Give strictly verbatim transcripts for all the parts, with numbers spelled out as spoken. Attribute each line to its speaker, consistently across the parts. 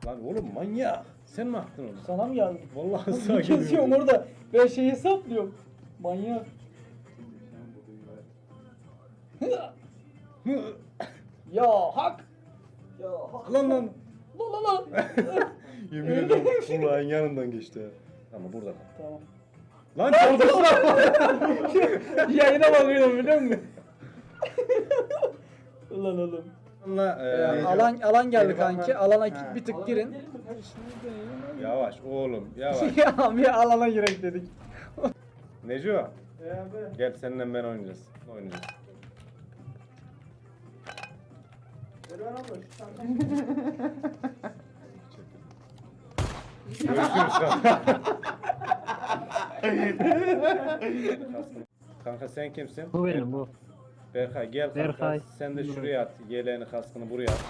Speaker 1: Lan oğlum manyak. Sen mi attın onu?
Speaker 2: Sana mı geldi?
Speaker 1: Vallahi
Speaker 2: Bir
Speaker 1: sağa
Speaker 2: geziyorum
Speaker 1: geliyor.
Speaker 2: orada. Ben şeyi hesaplıyorum. Manyak. Ya hak. Ya hak.
Speaker 1: Lan lan.
Speaker 2: Lan lan lan.
Speaker 1: Yemin ederim kulağın yanından geçti. Ama burada kal.
Speaker 2: Tamam.
Speaker 1: Lan çaldırsana.
Speaker 2: Yayına bakıyorum biliyor musun? Ulan oğlum.
Speaker 1: Allah,
Speaker 2: Ee,
Speaker 1: e,
Speaker 2: alan alan geldi
Speaker 1: Geri
Speaker 2: kanki.
Speaker 1: bakma.
Speaker 2: Alana
Speaker 1: Ha.
Speaker 2: bir tık girin.
Speaker 1: Yavaş oğlum yavaş.
Speaker 2: Ya bir alana girek dedik.
Speaker 1: Neco gel seninle ben oynayacağız. Oynayacağız. Görüşürüz kanka. Kanka sen kimsin?
Speaker 3: Bu benim bu.
Speaker 1: Berkay gel kanka.
Speaker 3: Berkay.
Speaker 1: Sen de şuraya at. Yeleğini kaskını buraya at.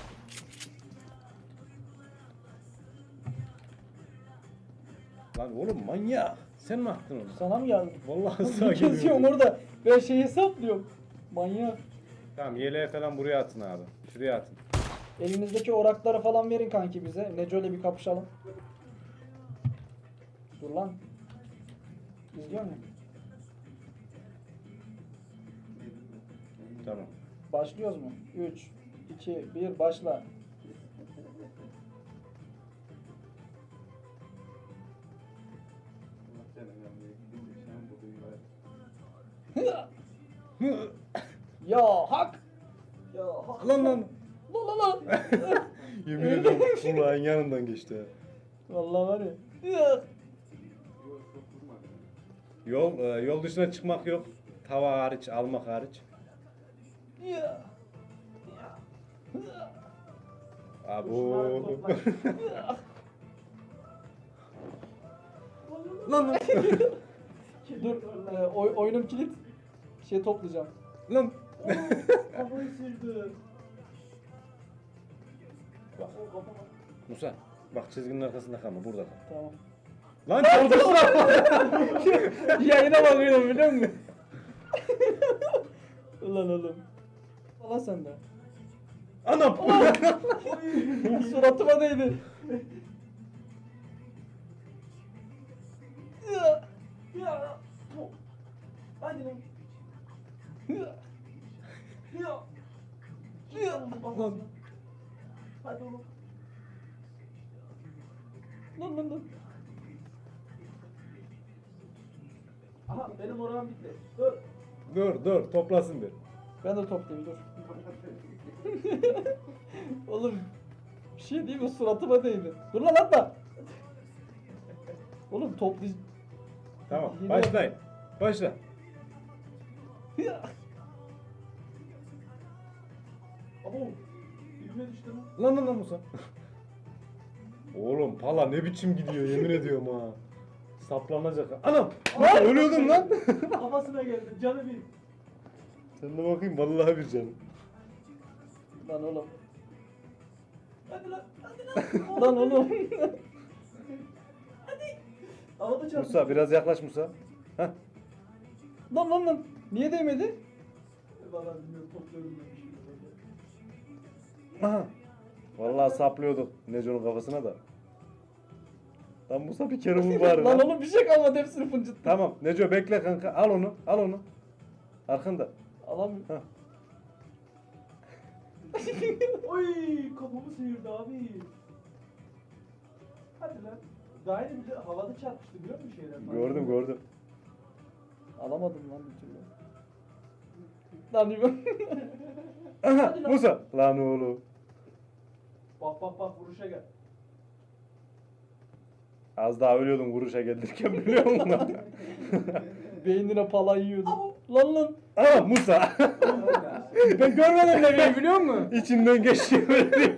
Speaker 1: Lan oğlum manyak. Sen mi attın onu?
Speaker 2: Sana mı geldi?
Speaker 1: Vallahi sağa
Speaker 2: Bir geziyorum
Speaker 1: geliyor.
Speaker 2: orada. Ben şeyi hesaplıyorum. Manyak.
Speaker 1: Tamam yeleği falan buraya atın abi. Şuraya atın.
Speaker 2: Elinizdeki orakları falan verin kanki bize. Neco ile bir kapışalım. Dur lan. İzliyor musun?
Speaker 1: Tamam.
Speaker 2: Başlıyoruz mu? üç, iki, bir başla. Ya hak. Ya hak.
Speaker 1: Lan lan.
Speaker 2: Lan lan lan.
Speaker 1: Yemin ederim kulağın yanından geçti.
Speaker 2: Vallahi var ya. Ya.
Speaker 1: Yol e, yol dışına çıkmak yok. Tava hariç, almak hariç.
Speaker 2: Ya.
Speaker 1: Abo. Lan lan.
Speaker 2: Dur. E, oy, oyunum kilit. Şey toplayacağım.
Speaker 1: Lan.
Speaker 2: Kafayı sildi.
Speaker 1: Bak. Musa. Bak çizginin arkasında kalma. Burada kal.
Speaker 2: Tamam.
Speaker 1: Lan çaldırsana.
Speaker 2: Yayına bakıyorum biliyor musun? Ulan oğlum. Allah sende.
Speaker 1: Anam.
Speaker 2: Suratıma değdi. Ya. Ya. Hadi lan. Ya. Ya. Ya.
Speaker 1: Lan.
Speaker 2: Hadi oğlum. Lan lan lan. Aha benim oram bitti. Dur.
Speaker 1: Dur dur toplasın bir.
Speaker 2: Ben de toplayayım dur. Oğlum bir şey değil mi suratıma değdi. Dur lan atma. Oğlum toplayacağım.
Speaker 1: Tamam
Speaker 2: Yine
Speaker 1: başlayın. Başla.
Speaker 2: Abo. Dibime düştü lan.
Speaker 1: Lan lan lan Musa. Oğlum pala ne biçim gidiyor yemin ediyorum ha. Saplanacak. Anam! Musa ölüyordun lan.
Speaker 2: Kafasına geldi canı bir.
Speaker 1: Sen de bakayım vallahi bir canım.
Speaker 2: Lan oğlum. Hadi lan hadi lan. Lan oğlum. Hadi. Havada çarptı.
Speaker 1: Musa biraz yaklaş Musa. Heh.
Speaker 2: Lan lan lan. Niye değmedi? Valla bilmiyorum topluyorum ben bir şey.
Speaker 1: Aha. Vallahi saplıyorduk Neco'nun kafasına da. Lan Musa bir kere vur bari.
Speaker 2: Lan
Speaker 1: lan.
Speaker 2: oğlum bir şey kalmadı hepsini fıncıttı.
Speaker 1: Tamam Neco bekle kanka al onu al onu. Arkanda.
Speaker 2: Alamıyorum.
Speaker 1: Heh.
Speaker 2: Oy kafamı sıyırdı abi. Hadi lan. Daha yeni bir de havada çarpmıştı biliyor musun şeyler?
Speaker 1: Gördüm gördüm.
Speaker 2: Alamadım lan bir türlü. Lan İbo.
Speaker 1: Aha
Speaker 2: Hadi lan.
Speaker 1: Musa. Lan oğlum.
Speaker 2: Bak bak bak vuruşa gel.
Speaker 1: Az daha ölüyordum vuruşa gelirken biliyor musun?
Speaker 2: Beynine pala yiyordu. Lan lan.
Speaker 1: Aha Musa.
Speaker 2: Ben görmedim demeyi biliyor musun?
Speaker 1: İçinden geçiyor.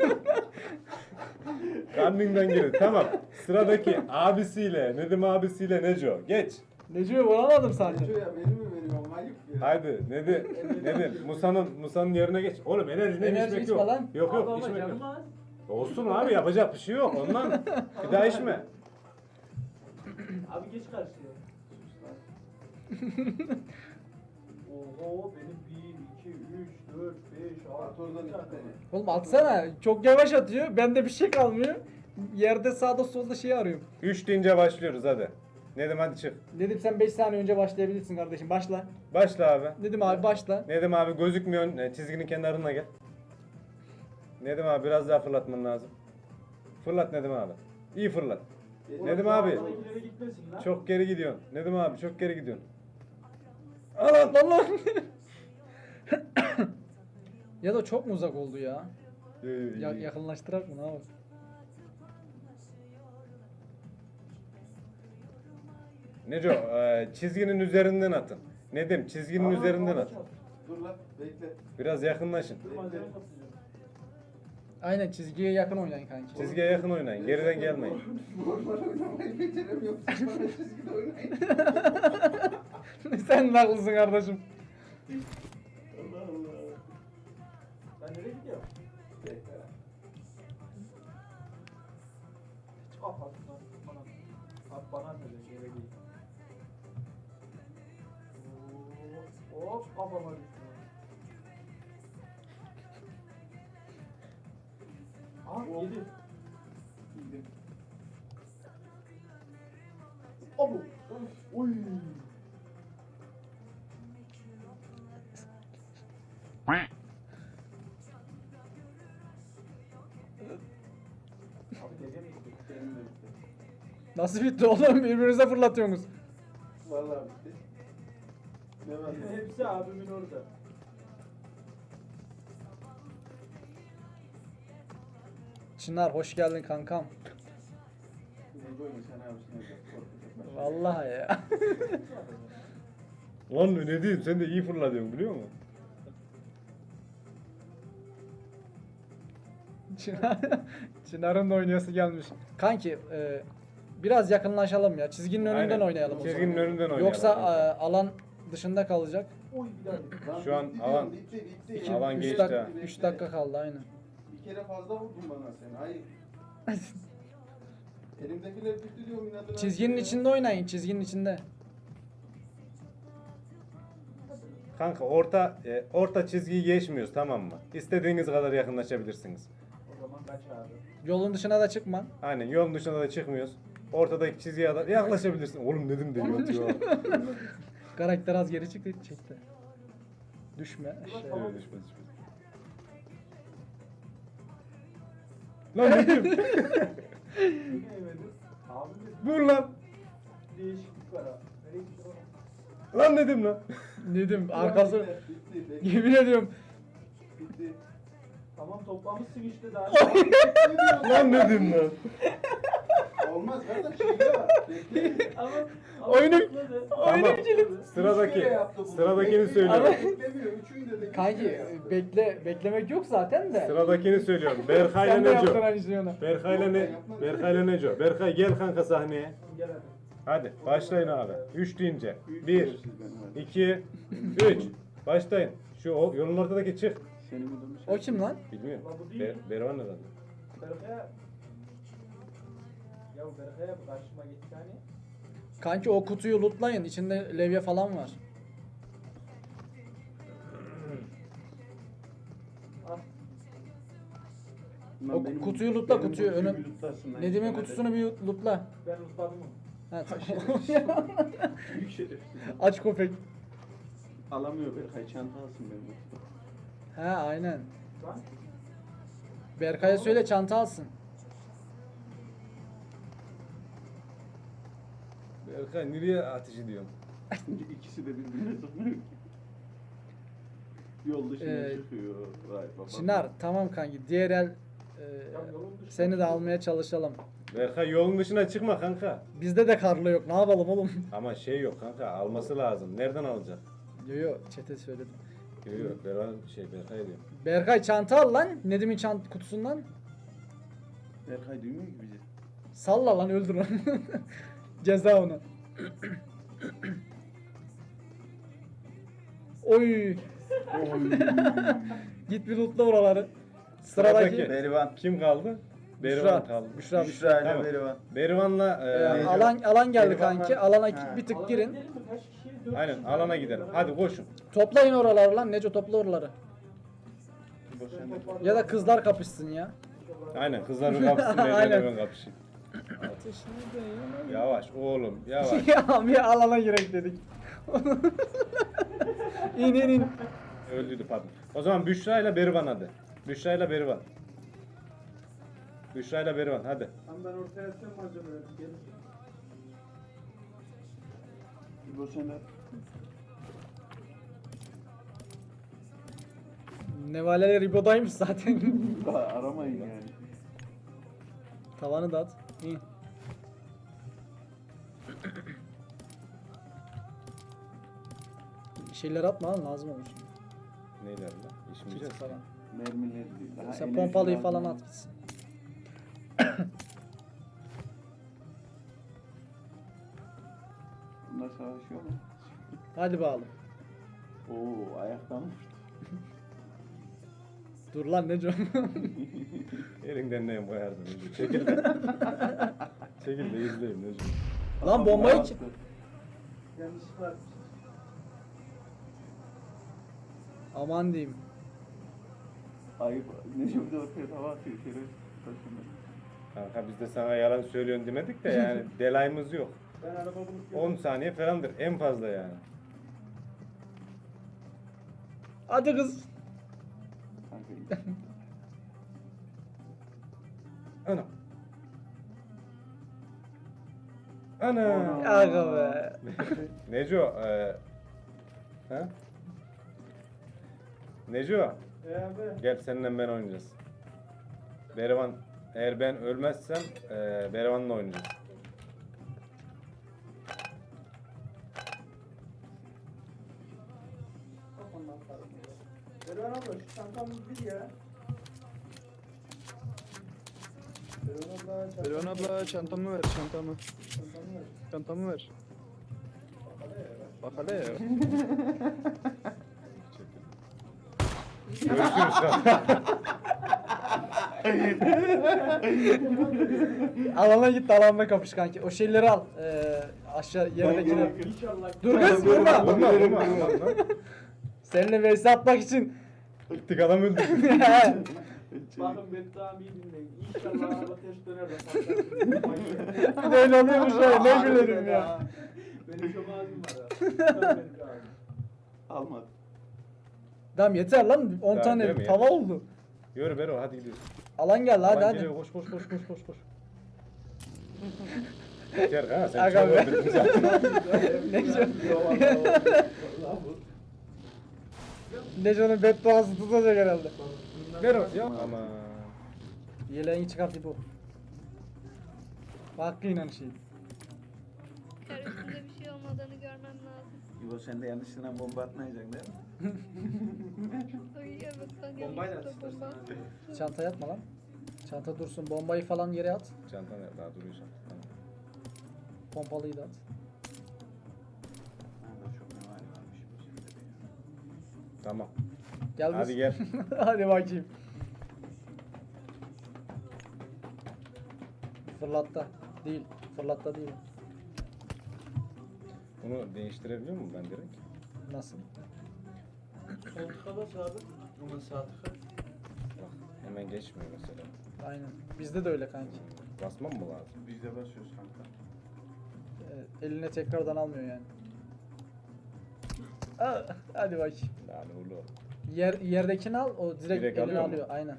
Speaker 1: Kandinden geliyor. Tamam. Sıradaki abisiyle, Nedim abisiyle Neco. Geç.
Speaker 2: Necibe vuramadım sadece.
Speaker 4: Neco ya beni mi veriyorsun? Ayıp ya.
Speaker 1: Haydi Nedim. Nedim. Musa'nın Musa'nın yerine geç. Oğlum enerjiden
Speaker 2: Enerji
Speaker 1: içmek
Speaker 2: içme
Speaker 1: yok.
Speaker 2: lan.
Speaker 1: Yok yok içmek yok. Olsun abi yapacak bir şey yok. Ondan bir daha içme.
Speaker 2: Abi geç karşıya. Oho benim bir, iki, üç, dört, beş,
Speaker 4: At
Speaker 2: altı.
Speaker 4: oradan iki tane.
Speaker 2: Oğlum atsana. Çok yavaş atıyor. Bende bir şey kalmıyor. yerde sağda solda şey arıyorum.
Speaker 1: üç deyince başlıyoruz hadi. Nedim hadi çık.
Speaker 2: Dedim sen beş saniye önce başlayabilirsin kardeşim. Başla.
Speaker 1: Başla abi.
Speaker 2: Dedim abi başla.
Speaker 1: Nedim abi gözükmüyorsun. e, Çizginin kenarına gel. Nedim abi biraz daha fırlatman lazım. Fırlat Nedim abi. İyi fırlat. Nedim abi.
Speaker 4: ileri gitmesin lan.
Speaker 1: Çok geri gidiyorsun. Nedim abi çok geri gidiyorsun. Al al.
Speaker 2: Lan lan. Ya da çok mu uzak oldu ya?
Speaker 1: Yo, yo,
Speaker 2: Ya
Speaker 1: iyi.
Speaker 2: yakınlaştırak mı ne yapalım?
Speaker 1: Neco e, çizginin üzerinden atın. Nedim çizginin üzerinden at.
Speaker 4: Dur lan bekle.
Speaker 1: Biraz yakınlaşın.
Speaker 4: Bekle.
Speaker 2: Aynen çizgiye yakın oynayın kanki.
Speaker 1: Çizgiye yakın oynayın. Geriden gelmeyin.
Speaker 4: Normal oynamayı beceremiyorum. Siz bana çizgide oynayın.
Speaker 2: Sen de haklısın kardeşim.
Speaker 4: Allah Allah. Ben nereye gidiyorum? Bekle lan. Kapat lan. Bana. Abi bana ne de yere değil. Oo, hop kafama düştü. Ah yedi. Yedi. Abu. Oy. Abi gece mi gitti? Benim de bitti.
Speaker 2: Nasıl bitti oğlum? Birbirinize fırlatıyorsunuz.
Speaker 4: Vallahi bitti. Ne var? Hepsi abimin orada.
Speaker 2: Çınar hoş geldin kankam.
Speaker 4: Ne koymuş sen abisine de korkutacak.
Speaker 2: Vallahi ya.
Speaker 1: Lan ne diyeyim sen de iyi fırlatıyorsun biliyor musun?
Speaker 2: Çınar, Çınar'ın da oynayası gelmiş. Kanki e, biraz yakınlaşalım ya. Çizginin önünden
Speaker 1: Aynen.
Speaker 2: oynayalım. o
Speaker 1: Çizginin
Speaker 2: zaman.
Speaker 1: önünden oynayalım.
Speaker 2: Yoksa e, alan dışında kalacak.
Speaker 4: Oy bir daha. Lan
Speaker 1: Şu an
Speaker 4: bitti
Speaker 1: alan-
Speaker 4: diyorum, bitti bitti.
Speaker 2: İki,
Speaker 1: Alan
Speaker 2: üç
Speaker 1: geçti
Speaker 2: dak-
Speaker 1: ha.
Speaker 2: üç dakika kaldı aynen.
Speaker 4: Bir kere fazla vurdun bana sen. Hayır. Elimdekiler bitti diyorum inadına.
Speaker 2: Çizginin içinde oynayın, çizginin içinde.
Speaker 1: Kanka orta e, orta çizgiyi geçmiyoruz tamam mı? İstediğiniz kadar yakınlaşabilirsiniz.
Speaker 4: O zaman kaç abi?
Speaker 2: Yolun dışına da çıkma.
Speaker 1: Aynen yolun dışına da çıkmıyoruz. Ortadaki çizgiye kadar yaklaşabilirsin. Oğlum dedim de yatıyor.
Speaker 2: Karakter az geri çıktı, çekti. Düşme. Şey.
Speaker 1: Evet, düşmez, düşmez. Lan dedim.
Speaker 4: Yine yemedim. Abi de
Speaker 1: Vur lan.
Speaker 4: değişiklik var ha. Nereye gitti o?
Speaker 1: Lan dedim lan.
Speaker 2: Dedim arkası.
Speaker 4: Bitti, bitti,
Speaker 2: Yemin ediyorum.
Speaker 4: bitti. Tamam toplamışsın işte daha.
Speaker 1: Lan dedim lan.
Speaker 4: Olmaz kardeş şeyde var. Bekle. Ama
Speaker 2: Oyunu-
Speaker 1: Tamam. Sıradaki sıradakini söylüyorum.
Speaker 4: Beklemiyor. Üçünü de
Speaker 2: Kanki bekle beklemek yok zaten de.
Speaker 1: Sıradakini söylüyorum. Berkay'la
Speaker 2: Sen de yaptın
Speaker 1: Neco.
Speaker 2: aynı şeyi ona.
Speaker 1: Berkay'la ne? Berkay'la Neco. Berkay gel kanka sahneye.
Speaker 4: Gel hadi.
Speaker 1: Hadi başlayın abi. üç deyince. bir, iki, üç. Başlayın. Şu o, yolun ortadaki çık.
Speaker 4: Seni mi dönmüş?
Speaker 2: O kim lan?
Speaker 1: Bilmiyorum.
Speaker 4: Ulan bu değil.
Speaker 1: Ber Bervan nereden?
Speaker 4: Berkaya. Ya Berkaya bu karşıma gitti hani.
Speaker 2: Kanki o kutuyu lootlayın. İçinde levye falan var.
Speaker 4: Al.
Speaker 2: O kutuyu lootla kutuyu. Önü... Nedim'in kutusunu bir lootla.
Speaker 4: Ben unutmadım onu.
Speaker 2: Ha,
Speaker 4: Büyük şerefsiz.
Speaker 2: aç köpek.
Speaker 4: Alamıyor Berkay çanta alsın benim.
Speaker 2: Ha aynen.
Speaker 4: Lan.
Speaker 2: Berkay'a söyle çanta alsın.
Speaker 1: Berkay nereye ateş ediyorsun?
Speaker 4: İkisi de birbirine sokuyor. Yol dışına
Speaker 2: Ee,
Speaker 4: çıkıyor. Vay baba.
Speaker 2: Çınar tamam kanki. Diğer el e, seni de almaya çalışalım.
Speaker 1: Berkay yolun dışına çıkma kanka.
Speaker 2: Bizde de karlı yok. Ne yapalım oğlum?
Speaker 1: Ama şey yok kanka alması lazım. Nereden alacak?
Speaker 2: Yo yo çete söyledim.
Speaker 1: Yok yok Bervan şey Berkay diyor.
Speaker 2: Berkay çanta al lan. Nedim'in çant kutusundan.
Speaker 4: Berkay duymuyor ki bizi.
Speaker 2: Salla lan öldür onu. Ceza ona. Oy. Git bir lootla oraları. Sıradaki.
Speaker 1: Sıradaki.
Speaker 4: Berivan.
Speaker 1: Kim kaldı? Berivan
Speaker 2: Büşra.
Speaker 1: kaldı.
Speaker 2: Büşra.
Speaker 4: Büşra ile
Speaker 1: Tamam.
Speaker 4: Berivan.
Speaker 1: Berivan'la
Speaker 2: Ee,
Speaker 1: e,
Speaker 4: Neco.
Speaker 2: alan alan geldi
Speaker 4: Berivan
Speaker 2: kanki.
Speaker 4: var.
Speaker 2: Alana
Speaker 4: Ha.
Speaker 2: bir tık girin.
Speaker 1: aynen alana gidelim. Hadi koşun.
Speaker 2: Toplayın oraları lan. Neco topla oraları. Ya da kızlar kapışsın ya.
Speaker 1: Aynen kızların kapısında
Speaker 2: Aynen.
Speaker 1: ben kapışayım.
Speaker 2: Ateşine dayanamıyorum.
Speaker 1: Yavaş oğlum yavaş.
Speaker 2: Ya bir alana girek dedik. İn in in.
Speaker 1: Öldüydü pardon. O zaman Büşra ile Berivan hadi. Büşra ile Berivan. Büşra ile Berivan hadi.
Speaker 4: Tam ben ortaya atacağım malzemeleri. Gelin. İbo sen de.
Speaker 2: Nevaleler İbo'daymış zaten.
Speaker 4: Aramayın yani.
Speaker 2: Tavanı da at. İyi. Şeyler atma lan lazım olur.
Speaker 1: Neyler lan?
Speaker 2: Kit
Speaker 1: İşmeyeceğiz.
Speaker 2: falan.
Speaker 4: Mermileri değil. Daha
Speaker 2: Sen
Speaker 4: enerji
Speaker 2: pompalıyı
Speaker 4: lazım.
Speaker 2: falan at gitsin.
Speaker 4: Bunlar savaşıyor mu?
Speaker 2: Hadi bakalım.
Speaker 4: Oo ayaktan vurdu.
Speaker 2: Dur lan Neco.
Speaker 1: Elinden neyim koyardın. Necip. Çekil de. Çekil de izleyeyim Necip.
Speaker 2: Lan bombayı
Speaker 4: Attı.
Speaker 2: ki-
Speaker 4: Yanlışlıkla atmış.
Speaker 2: Aman diyeyim.
Speaker 4: Ayıp. Necip de ortaya tava atıyor. Şeref taşınır.
Speaker 1: Kanka biz de sana yalan söylüyorsun demedik de yani delayımız yok.
Speaker 4: Ben araba bulup
Speaker 1: on saniye falandır en fazla yani.
Speaker 2: Hadi kız.
Speaker 4: Kanka iyi.
Speaker 1: Ana. Ana.
Speaker 4: Ana.
Speaker 2: Aga be.
Speaker 1: Neco, e, ha? Neco,
Speaker 4: E abi.
Speaker 1: gel seninle ben oynayacağız. Berivan, eğer ben ölmezsem e, Berivan'la oynayacağız.
Speaker 4: Erdoğan abla şu çantamız bir ya. Erdoğan abla çantamız
Speaker 3: Elvan abla çantamı ver çantamı.
Speaker 4: çantamı ver.
Speaker 3: Çantamı ver. Bak hele ya.
Speaker 1: Görüşürüz kanka.
Speaker 2: Alana git alanda kapış kanki. O şeyleri al. Ee, aşağı yerdekileri.
Speaker 4: İnşallah.
Speaker 2: Dur kız vurma.
Speaker 1: Vurma, vurma, vurma.
Speaker 2: Seninle vs atmak için.
Speaker 1: Gittik adam öldü.
Speaker 4: Bakın ben daha iyi dinleyin. İnşallah araba ters döner de patlar.
Speaker 2: Bir de öyle oluyormuş ya. Ne gülerim ya.
Speaker 4: Benim çok ağzım var ha. Almadı.
Speaker 2: Tamam yeter lan. on
Speaker 1: Daha
Speaker 2: tane
Speaker 1: değil mi ya?
Speaker 2: tava oldu.
Speaker 1: Yürü Bero hadi gidiyoruz.
Speaker 2: Alan geldi hadi
Speaker 1: Aman
Speaker 2: hadi.
Speaker 1: geliyor, koş koş koş koş koş koş. Yeter ha sen
Speaker 2: Aga
Speaker 1: çok
Speaker 2: be.
Speaker 1: öldürdün zaten.
Speaker 2: Neco. Neco'nun bedduası tutacak herhalde.
Speaker 1: Bero ya. Aman.
Speaker 2: Yeleğini çıkart bu. Hakkıyla şey.
Speaker 5: Kar üstünde bir şey olmadığını görmem lazım.
Speaker 6: İbo sen de yanlışlıkla bomba atmayacaksın değil mi?
Speaker 5: Ay evet ben
Speaker 4: Bombayla
Speaker 5: yanlışlıkla
Speaker 4: at
Speaker 5: bomba.
Speaker 4: istersen.
Speaker 2: Çantaya atma lan. Çanta dursun. Bombayı falan yere at.
Speaker 1: Çantan nerede? Daha duruyor çantan. Tamam.
Speaker 2: Pompalıyı da at.
Speaker 6: Ha da çok memali varmış bu şeyde de ya.
Speaker 1: Tamam.
Speaker 2: Gel
Speaker 1: Hadi
Speaker 2: kız.
Speaker 1: gel.
Speaker 2: Hadi bakayım. Fırlatta. Değil. Fırlatta değil.
Speaker 1: Bunu değiştirebiliyor muyum ben direkt?
Speaker 2: Nasıl?
Speaker 4: Koltuğa bas abi. Onun saati kaç?
Speaker 1: Bak hemen geçmiyor mesela.
Speaker 2: Aynen. Bizde de öyle kanki.
Speaker 1: Basmam mı lazım?
Speaker 6: Biz de basıyoruz kanka.
Speaker 2: Ee, eline tekrardan almıyor yani. Aa, hadi bakayım.
Speaker 1: Yani oğlum.
Speaker 2: Yer, yerdekini al, o direkt,
Speaker 1: Direkt
Speaker 2: eline
Speaker 1: alıyor mu?
Speaker 2: alıyor. Aynen.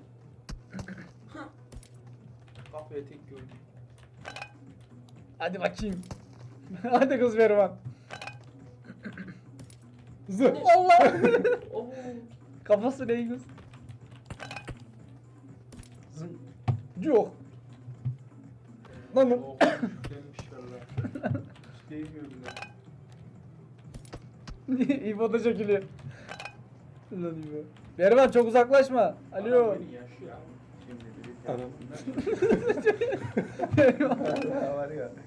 Speaker 4: Kafaya tek gördüm.
Speaker 2: Hadi bakayım. Hadi kız Verivan. Zı. Allah.
Speaker 4: Oo.
Speaker 2: Kafası ne kız? Yok. Lan lan.
Speaker 4: Oh, demiş valla. Hiç değmiyor bile.
Speaker 2: İbo da çekiliyor. Lan İbo. Verivan çok uzaklaşma. Alo.
Speaker 4: Adam beni yaşıyor abi.
Speaker 6: Şimdi biri
Speaker 1: Anam.
Speaker 2: Verivan.
Speaker 6: ya var ya.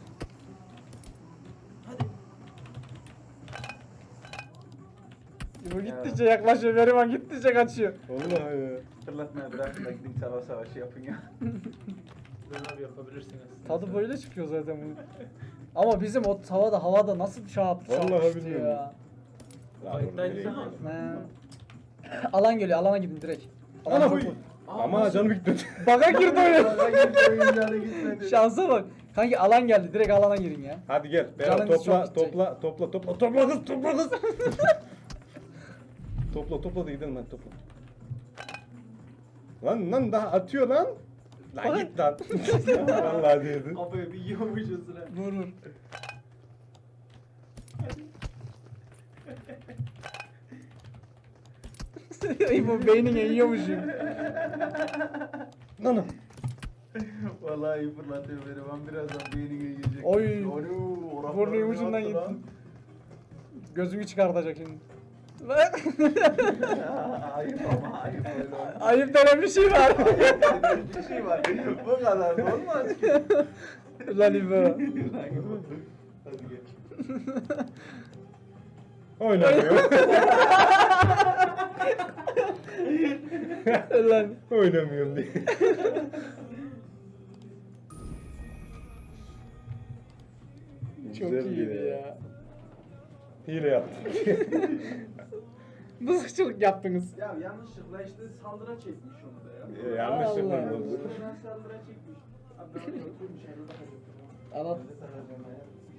Speaker 2: İbo gittikçe yaklaşıyor. Verivan gittikçe kaçıyor.
Speaker 1: Vallahi ya.
Speaker 6: Fırlatmaya bırakın da gidin savaş savaşı yapın ya.
Speaker 4: Ben abi yapabilirsiniz.
Speaker 2: Tadı böyle çıkıyor zaten bunun. Ama bizim o tavada havada nasıl çarp
Speaker 1: Vallahi
Speaker 2: çarpıştı
Speaker 1: bilmiyorum.
Speaker 2: ya.
Speaker 1: Lan oğlum, nereye
Speaker 4: Kayıttaydı ama.
Speaker 1: gidiyorsun?
Speaker 2: Ne? Alan geliyor, alana gidin direkt. Alan
Speaker 1: Ana
Speaker 2: çok
Speaker 1: huy.
Speaker 2: vur.
Speaker 1: Ama canım gitmedi.
Speaker 2: Baga girdi oyun.
Speaker 6: Oyuncağına gitmedi.
Speaker 2: Şansa bak. Kanki alan geldi. Direkt alana girin ya.
Speaker 1: Hadi gel. Berat
Speaker 2: Canınız
Speaker 1: topla,
Speaker 2: çok gidecek.
Speaker 1: topla, topla, topla, topla kız, topla kız. Topla, topla da gidelim hadi topla. Lan lan daha atıyor lan. Lan git lan. Vallahi diyordu.
Speaker 4: Kafaya bir yiyormuşuz sıra.
Speaker 2: Vur vur. Bu beynine yiyormuşum.
Speaker 1: Lan lan.
Speaker 6: Vallahi iyi fırlatıyor beni. Ben birazdan beynine yiyecek.
Speaker 2: Oy.
Speaker 6: Onu
Speaker 2: Burnunun ucundan gittin. Gözünü çıkartacak şimdi.
Speaker 6: Ayıp ama ayıp öyle olmaz.
Speaker 2: Ayıp denen bir şey var.
Speaker 6: Bir şey var. Bu kadar da olmaz ki.
Speaker 2: Lan İbo.
Speaker 6: Hadi gel.
Speaker 1: Oynamıyor.
Speaker 2: Lan.
Speaker 1: Oynamıyorum diye.
Speaker 2: Çok
Speaker 1: Güzel
Speaker 2: iyiydi
Speaker 1: bir-
Speaker 2: ya.
Speaker 1: Hile yaptım.
Speaker 2: Mızıkçılık yaptınız.
Speaker 4: Ya yanlışlıkla işte saldıra çekmiş onu da ya.
Speaker 1: Ee, Yanlışlıkla
Speaker 2: Allah.
Speaker 1: oldu.
Speaker 4: Sonra saldıra çekmiş. Abi ben onu oturmuş herhalde.
Speaker 2: Al al.
Speaker 6: Hadi sana dönmeye.